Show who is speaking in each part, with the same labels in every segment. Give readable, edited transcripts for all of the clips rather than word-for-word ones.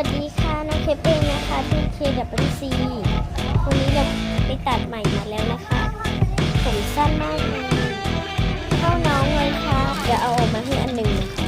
Speaker 1: วัสดีค่ะน้องเคปเองนะคะที่KWC วันนี้เราไปตัดใหม่มาแล้วนะคะผมสั้นมากเลยเข้าน้องเลยค่ะเดี๋ยวเอาออกมาให้อันหนึ่งนะคะ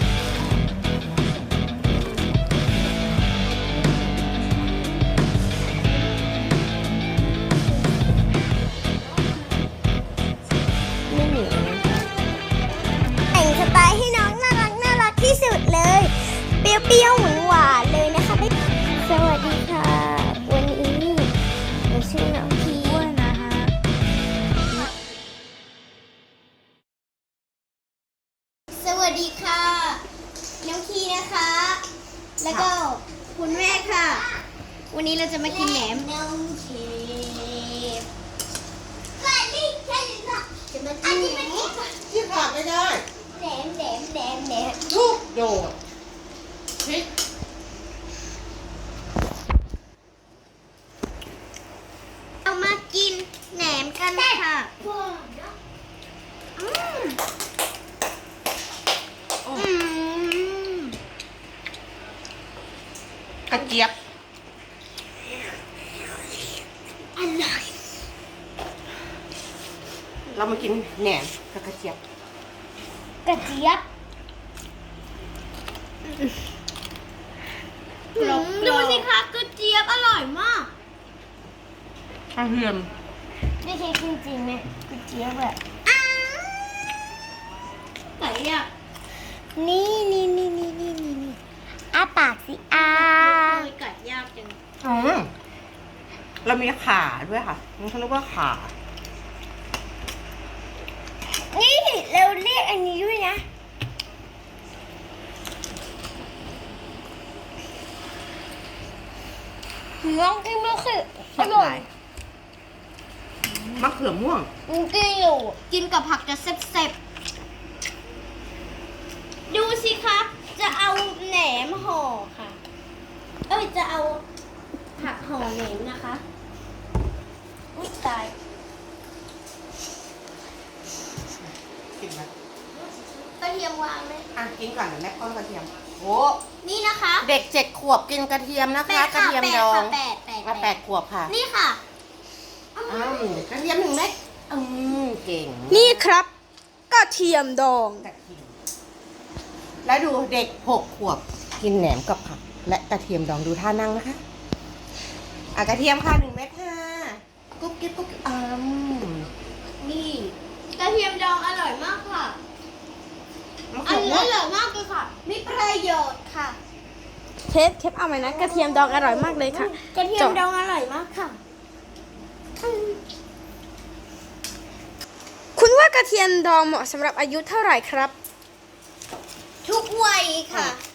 Speaker 1: ไม่เหนียวนะคะแต่งสไตล์ให้น้องน่ารักที่สุดเลยเปรี้ยวหวานเลยนะคะสวัสดีค่ะวันนี้เราชื่อน้องพีนะคะสวัสดีค่ะน้องพีนะคะ แล้วก็คุณแม่ค่ะ วันนี้เราจะมากินแหนมน้องเคฟจะมากินแหนม
Speaker 2: ที่ขาดไม่ได้
Speaker 1: แหนม
Speaker 2: ลูกโดดพริก
Speaker 1: เรามากินแหนมกันค่ะ
Speaker 2: กระเจี๊ยบ
Speaker 1: อร่อย
Speaker 2: เรามากินแหนมกับกระเจี๊ยบ
Speaker 1: กระเจี๊ยบดูสิคะกระเจี๊ยบอร่อยมาก
Speaker 2: กระเทียม
Speaker 1: ไม่ใช่จริงๆเนี่ยกระเจี๊ยบแบบไก่อะนี่อ้าปากสิไก่ยากจัง
Speaker 2: เรามีขาด้วยค่ะมันเขาเรียกว่าขา
Speaker 1: นี่เราเรียกอันนี้ด้วยนะน้องกินมะเขืออร่อย
Speaker 2: มะเขือม่วง
Speaker 1: กินอยู่กินกับผักจะแซ่บๆดูสิคะจะเอาแหนมห่อค่ะจะเอาผักห่อแหนมนะคะอุ๊ยตาย
Speaker 2: กินไหม
Speaker 1: กระเทียมวางไหม
Speaker 2: กินก่อนเดี๋ยวแม่ป้อนกระเทียมโอ้
Speaker 1: นี่นะคะ
Speaker 2: เด็ก7 ขวบกินกระเทียมนะคะ กระเทียมดอง
Speaker 1: แปด
Speaker 2: 8 ขวบค่ะ
Speaker 1: นี่ค่ะ
Speaker 2: กระเทียม1 เม็ดเก่ง
Speaker 3: นี่ครับกระเทียมดอง
Speaker 2: กระเทียมแล้วดูเด็ก6 ขวบกินแหนมกับผักและกระเทียมดองดูท่านั่งนะคะกระเทียมค่ะ1 เม็ดค่ะกุ๊บกิ๊บ
Speaker 1: นี่กระเทียมดองอร่อยมากค่ะ
Speaker 2: มะ
Speaker 1: อ
Speaker 2: เขือม่วง
Speaker 1: ร่อยมากเลยค่ะ มีประโยชน์ค่ะ
Speaker 3: เคปเอาไหมนะกระเทียมดองอร่อยมากเลยค่ะ
Speaker 1: กระเทียมดองอร่อยมากค่ะ
Speaker 3: คุณว่ากระเทียมดองเหมาะสำหรับอายุเท่าไหร่ครับ
Speaker 1: ทุกวัยค่ะ